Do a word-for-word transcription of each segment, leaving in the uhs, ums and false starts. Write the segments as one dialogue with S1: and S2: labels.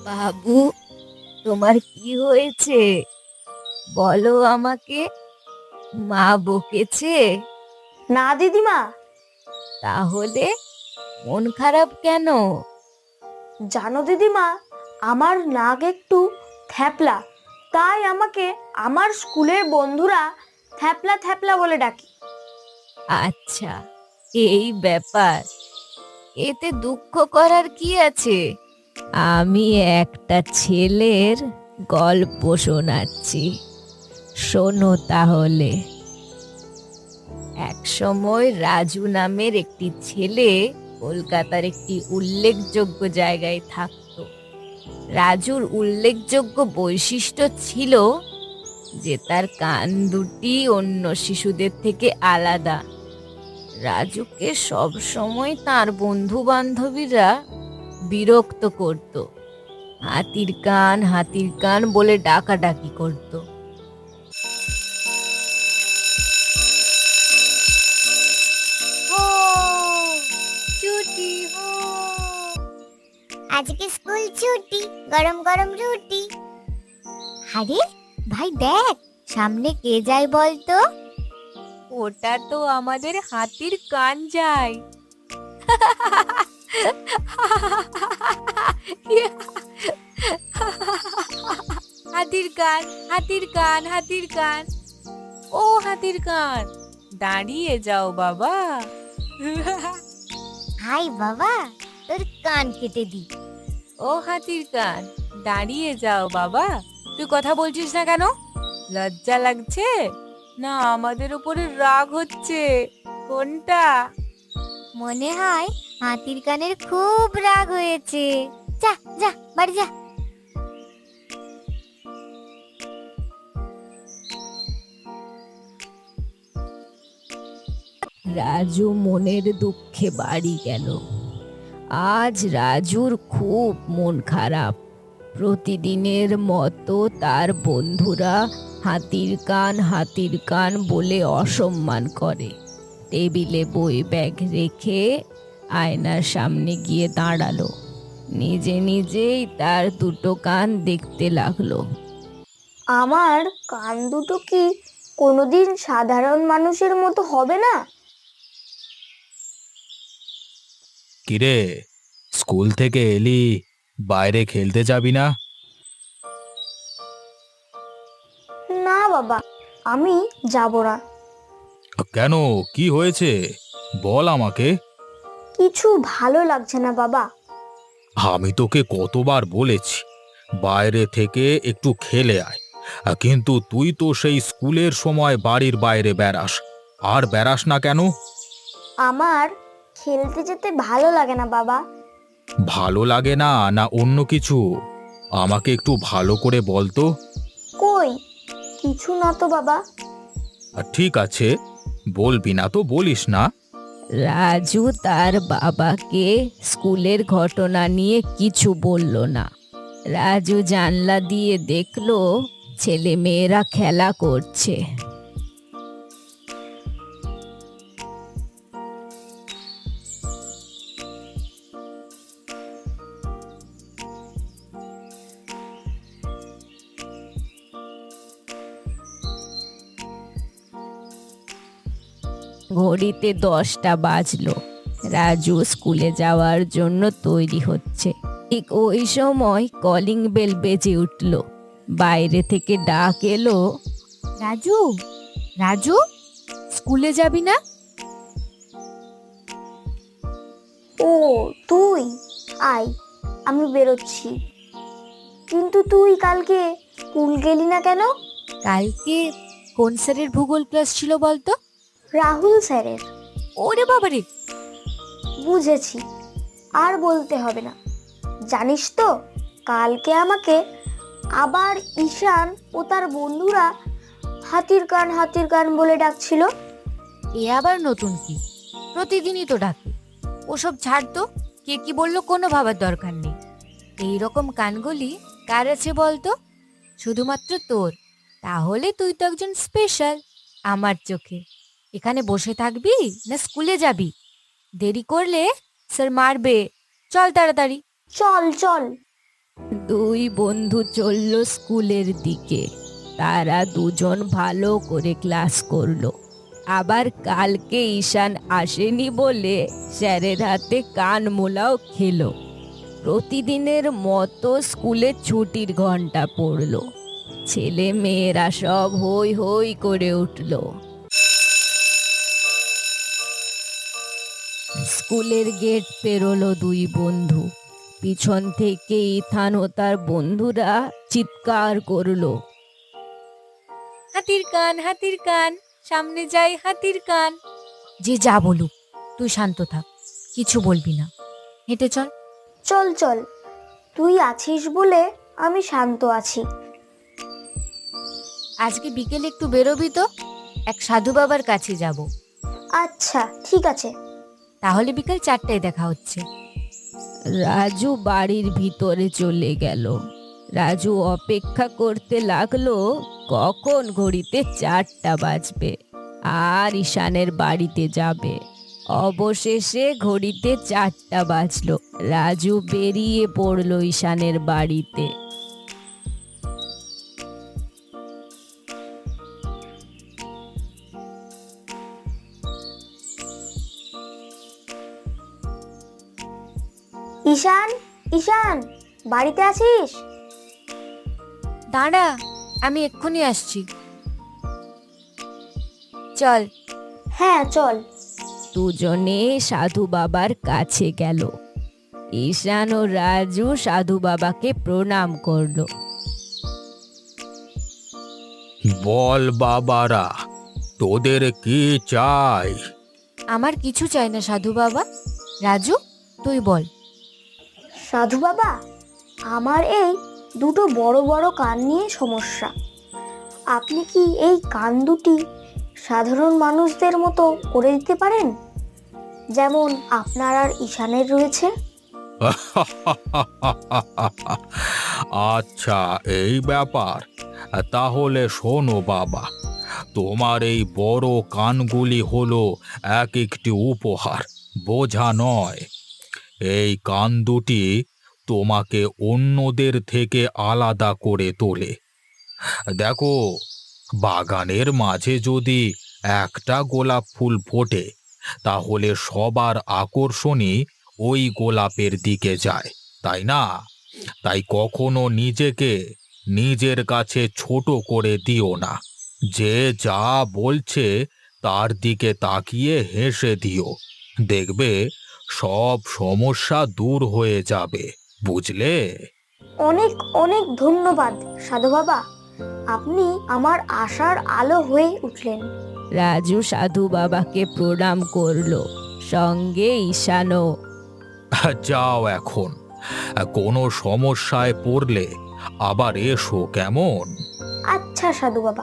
S1: বাবু, তোমার কি হয়েছে? বলো আমাকে। মা বকেছে?
S2: না দিদিমা।
S1: তাহলে মন খারাপ কেন?
S2: জানো দিদিমা, আমার নাক একটু থ্যাপলা, তাই আমাকে আমার স্কুলের বন্ধুরা থ্যাপলা থ্যাপলা বলে ডাকে।
S1: আচ্ছা, এই ব্যাপার। এতে দুঃখ করার কি আছে? আমি একটা ছেলের গল্প শোনাচ্ছি, শোনো তাহলে। এক সময় রাজু নামের একটি ছেলে কলকাতার একটি উল্লেখযোগ্য জায়গায় থাকতো। রাজুর উল্লেখযোগ্য বৈশিষ্ট্য ছিল যে তার কান দুটি অন্য শিশুদের থেকে আলাদা। রাজুকে সব সময় তার বন্ধু বান্ধবীরা বিরক্ত করত, হাতির কান হাতির কান বলে ডাকাডাকি করত। ছুটি হো,
S3: আজকে স্কুল ছুটি, গরম গরম রুটি। আরে ভাই দেখ, সামনে কে যায় বলতো?
S1: ওটা তো আমাদের হাতির কান যায়। হাতির কান হাতির কান হাতির কান, ও হাতির কান, দাঁড়িয়ে যাও বাবা।
S3: হাই বাবা, তোর কান কেটে দি।
S1: ও হাতির কান, দাঁড়িয়ে যাও বাবা। তুই কথা বলছিস না কেন? লজ্জা লাগছে না আমাদের উপরে রাগ হচ্ছে? কোনটা?
S3: মনে হয় হাতির কানের খুব রাগ হয়েছে। যা যা বাড়ি যা।
S1: রাজু মনের দুঃখে বাড়ি গেল। আজ রাজুর খুব মন খারাপ। প্রতিদিনের মতো তার বন্ধুরা হাতির কান হাতির কান বলে অসম্মান করে। টেবিলে বই ব্যাগ রেখে আয়নার সামনে গিয়ে দাঁড়ালো। নিজে নিজেই তার দুটো কান দেখতে লাগলো।
S2: আমার কান দুটো কি কোনোদিন সাধারণ মানুষের মতো হবে না?
S4: কিরে, স্কুল থেকে এলি, বাইরে খেলতে যাবি না?
S2: না বাবা, আমি যাব না।
S4: কেন, কি হয়েছে বল আমাকে।
S2: কিছু ভালো লাগছে না বাবা।
S4: আমি তোকে কতবার বলেছি বাইরে থেকে একটু খেলে আয়, কিন্তু তুই তো সেই স্কুলের সময় বাড়ির বাইরে বেড়াস। আর বেড়াস না কেন?
S2: আমার খেলতে যেতে ভালো লাগে না বাবা।
S4: ভালো লাগে না, না অন্য কিছু? আমাকে একটু ভালো করে বল তো।
S2: কই, কিছু না তো বাবা।
S4: ঠিক আছে, বলবি না তো বলিস না।
S1: রাজু তার বাবাকে স্কুলের ঘটনা নিয়ে কিছু বলল না। রাজু জানলা দিয়ে দেখলো ছেলে মেয়েরা খেলা করছে। ঘড়িতে দশটা বাজলো। রাজু স্কুলে যাওয়ার জন্য তৈরি হচ্ছে। ঠিক ওই সময় কলিং বেল বেজে উঠল। বাইরে থেকে ডাক এলো, রাজু রাজু, স্কুলে যাবি না?
S2: ও তুই, আয়, আমি বেরোচ্ছি। কিন্তু তুই কালকে স্কুল গেলি না কেন?
S1: কালকে কোন স্যারের ভূগোল ক্লাস ছিল বলতো?
S2: রাহুল স্যারের।
S1: ওরে বাবারে!
S2: বুঝেছি, আর বলতে হবে না। জানিস তো, কালকে আমাকে আবার ঈশান ও তার বন্ধুরা হাতির কান হাতির কান বলে ডাকছিল।
S1: এ আবার নতুন কি? প্রতিদিনই তো ডাকে। ওসব ছাড় তো, কে কি বললো কোনো ভাবার দরকার নেই। এইরকম কানগুলি কার আছে বলতো? শুধুমাত্র তোর। তাহলে তুই তো একজন স্পেশাল আমার চোখে। এখানে বসে থাকবি না স্কুলে যাবি? দেরি করলে স্যার মারবে। চল তাড়াতাড়ি।
S2: চল চল।
S1: দুই বন্ধু চলল স্কুলের দিকে। তারা দুজন ভালো করে ক্লাস করলো। আবার কালকে ঈশান আসেনি বলে স্যারের হাতে কান মোলাও খেলো। প্রতিদিনের মতো স্কুলে ছুটির ঘন্টা পড়লো। ছেলে মেয়েরা সব হই হই করে উঠল। স্কুলের গেট পেরোলো দুই বন্ধু। পিছন থেকে ইথান ও তার বন্ধুরা চিৎকার করলো,
S5: হাতির কান, হাতির কান, সামনে যাই হাতির কান। যে যা বলুক, তুই শান্ত থাক, কিছু বলবি না, হেঁটে চল।
S2: চল চল, তুই আছিস বলে আমি শান্ত আছি।
S5: আজকে বিকেলে একটু বেরোবি তো, এক সাধু বাবার কাছে যাব।
S2: আচ্ছা ঠিক আছে।
S5: তাহলে বিকাল চারটায় দেখা হচ্ছে।
S1: রাজু বাড়ির ভিতরে চলে গেল। রাজু অপেক্ষা করতে লাগলো কখন ঘড়িতে চারটা বাজবে আর ঈশানের বাড়িতে যাবে। অবশেষে ঘড়িতে চারটা বাজলো। রাজু বেরিয়ে পড়লো ঈশানের বাড়িতে।
S2: ঈশান, ঈশান, বাড়িতে আছিস?
S5: দাঁড়া, আমি এক্ষুনি আসছি। চল।
S2: হ্যাঁ চল।
S1: দুজনে সাধু বাবার কাছে গেল। ঈশান ও রাজু সাধু বাবাকে প্রণাম করলো।
S4: বল বাবারা, তোদের কি চাই?
S5: আমার কিছু চাই না সাধু বাবা। রাজু, তুই বল।
S2: সাধু বাবা, আমার এই দুটো বড় বড় কান নিয়ে সমস্যা। আপনি কি এই কান দুটি সাধারণ মানুষদের মতো করে দিতে পারেন, যেমন আপনার আর ঈশানের রয়েছে?
S4: আচ্ছা, এই ব্যাপার। তাহলে শোনো বাবা, তোমার এই বড় কানগুলি হলো এক একটি উপহার, বোঝা নয়। এই কান দুটি তোমাকে অন্যদের থেকে আলাদা করে তোলে। দেখো, বাগানের মাঝে যদি একটা গোলাপ ফুল ফোটে, তাহলে সবার আকর্ষণই ওই গোলাপের দিকে যায়, তাই না? তাই কখনো নিজেকে নিজের কাছে ছোট করে দিও না। যে যা বলছে তার দিকে তাকিয়ে হেসে দিও, দেখবে সব সমস্যা দূর হয়ে যাবে, বুঝলে?
S2: অনেক অনেক ধন্যবাদ সাধু বাবা, আপনি আমার আশার আলো হয়ে উঠলেন।
S1: রাজু সাধু বাবাকে প্রণাম করলো, সঙ্গে ঈশানও।
S4: যাও এখন, কোনো সমস্যায় পড়লে আবার এসো, কেমন?
S2: আচ্ছা সাধু বাবা।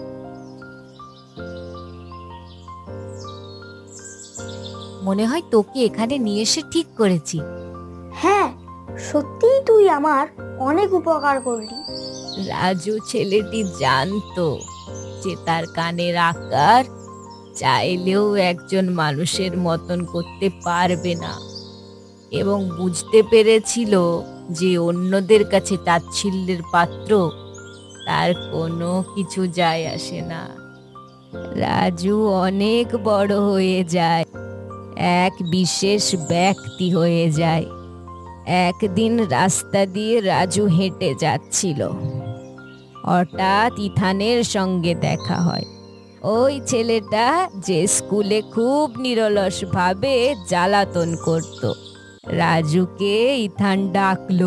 S5: মনে হয় তোকে এখানে নিয়ে এসে ঠিক করেছি।
S2: হ্যাঁ, সত্যিই তুই আমার অনেক উপকার করলি।
S1: রাজু ছেলেটি জানতো যে তার কানের আকার চাইলেও একজন মানুষের মতন করতে পারবে না, এবং বুঝতে পেরেছিল যে অন্যদের কাছে তাচ্ছিল্যের পাত্র তার কোনো কিছু যায় আসে না। রাজু অনেক বড় হয়ে যায়, এক বিশেষ ব্যক্তি হয়ে যায়। একদিন রাস্তা দিয়ে রাজু হেঁটে যাচ্ছিল। হঠাৎ ইথানের সঙ্গে দেখা হয়, ওই ছেলেটা যে স্কুলে খুব নিরলস ভাবে জ্বালাতন করত। রাজুকে ইথান ডাকলো।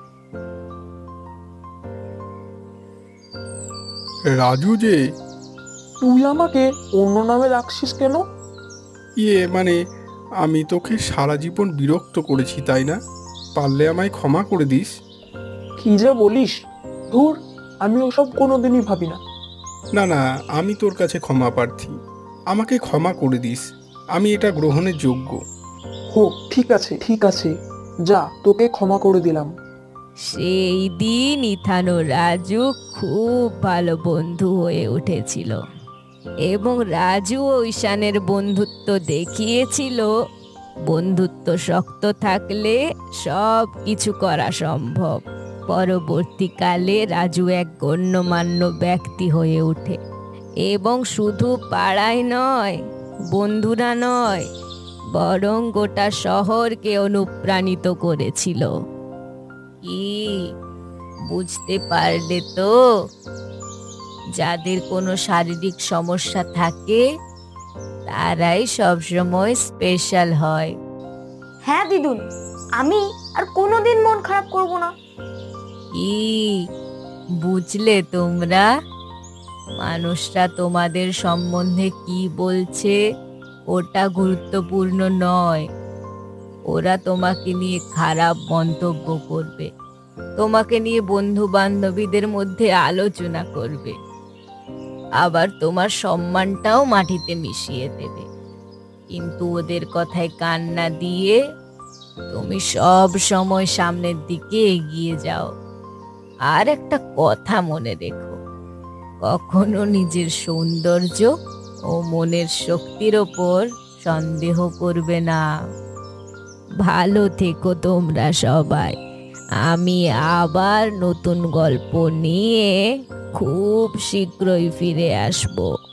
S6: রাজু যে,
S7: তুই আমাকে অন্য নামে রাখছিস কেন?
S6: ইয়ে মানে আমি তোকে সারা জীবন বিরক্ত করেছি, তাই না? পারলে আমায় ক্ষমা করে দিস।
S7: কি যে বলিস, ধুর, আমি ওসব কোনোদিনই ভাবি না।
S6: না না, আমি তোর কাছে ক্ষমা প্রার্থী, আমাকে ক্ষমা করে দিস, আমি এটা গ্রহণের যোগ্য।
S7: হোক, ঠিক আছে ঠিক আছে, যা, তোকে ক্ষমা করে দিলাম।
S1: সেই দিন ইথান ও রাজু খুব ভালো বন্ধু হয়ে উঠেছিল, এবং রাজু ও ঈশানের বন্ধুত্ব দেখিয়েছিল বন্ধুত্ব শক্ত থাকলে সব কিছু করা সম্ভব। পরবর্তীকালে রাজু এক গণ্যমান্য ব্যক্তি হয়ে ওঠে এবং শুধু পাড়ায় নয়, বন্ধুরা নয়, বরং গোটা শহরকে অনুপ্রাণিত করেছিল। কি বুঝতে পারলে তো? যাদের কোনো শারীরিক সমস্যা থাকে তারাই সবসময় স্পেশাল হয়।
S2: হ্যাঁ দিদুন, আমি আর কোনোদিন মন খারাপ করব না।
S1: কি বুঝলে তোমরা? মানুষরা তোমাদের সম্বন্ধে কি বলছে ওটা গুরুত্বপূর্ণ নয়। ওরা তোমাকে নিয়ে খারাপ মন্তব্য করবে, তোমাকে নিয়ে বন্ধু বান্ধবীদের মধ্যে আলোচনা করবে, আবার তোমার সম্মানটাও মাটিতে মিশিয়ে দেবে। কিন্তু ওদের কথায় কান না দিয়ে তুমি সব সময় সামনের দিকে এগিয়ে যাও। আর একটা কথা মনে রেখো, কখনো নিজের সৌন্দর্য ও মনের শক্তির ওপর সন্দেহ করবে না। ভালো থেকো তোমরা সবাই। আমি আবার নতুন গল্প নিয়ে খুব শীঘ্রই ফিরে আসবো।